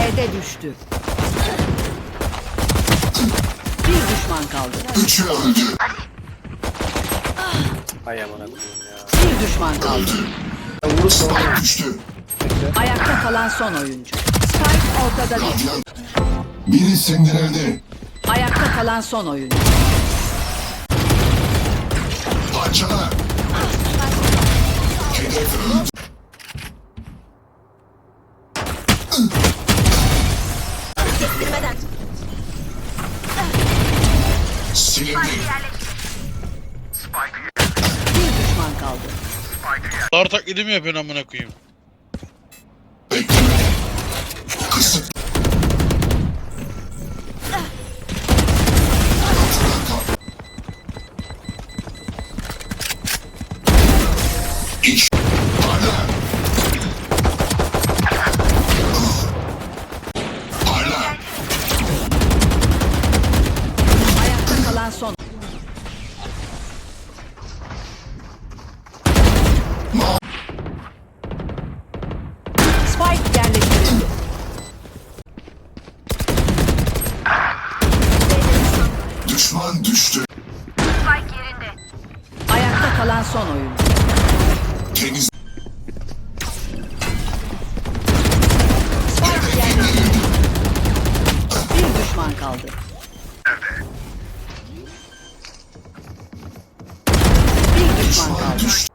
B'de düştü. Bir düşman kaldı. Üçü öldü. Ay aman Allah'ım ya. Bir düşman kaldı. Spike düştü. Ayakta kalan son oyuncu. Spike ortada değil. Radyan. Biri sindirildi. Ayakta kalan son oyuncu. Parçala. Hedef öldü. Silindi. Bir düşman kaldı. Dar taklidi mi yapıyorsun amına koyayım? Beklemede. Kısıt. Ortadan kal. İç. Parla. Parla. Ayakta kalan son. Spike yerleştirildi. Düşman düştü. Ayakta kalan son oyuncu. Temiz. Spike yerleştirildi. Bir düşman kaldı. Bir düşman Düşman kaldı. düştü.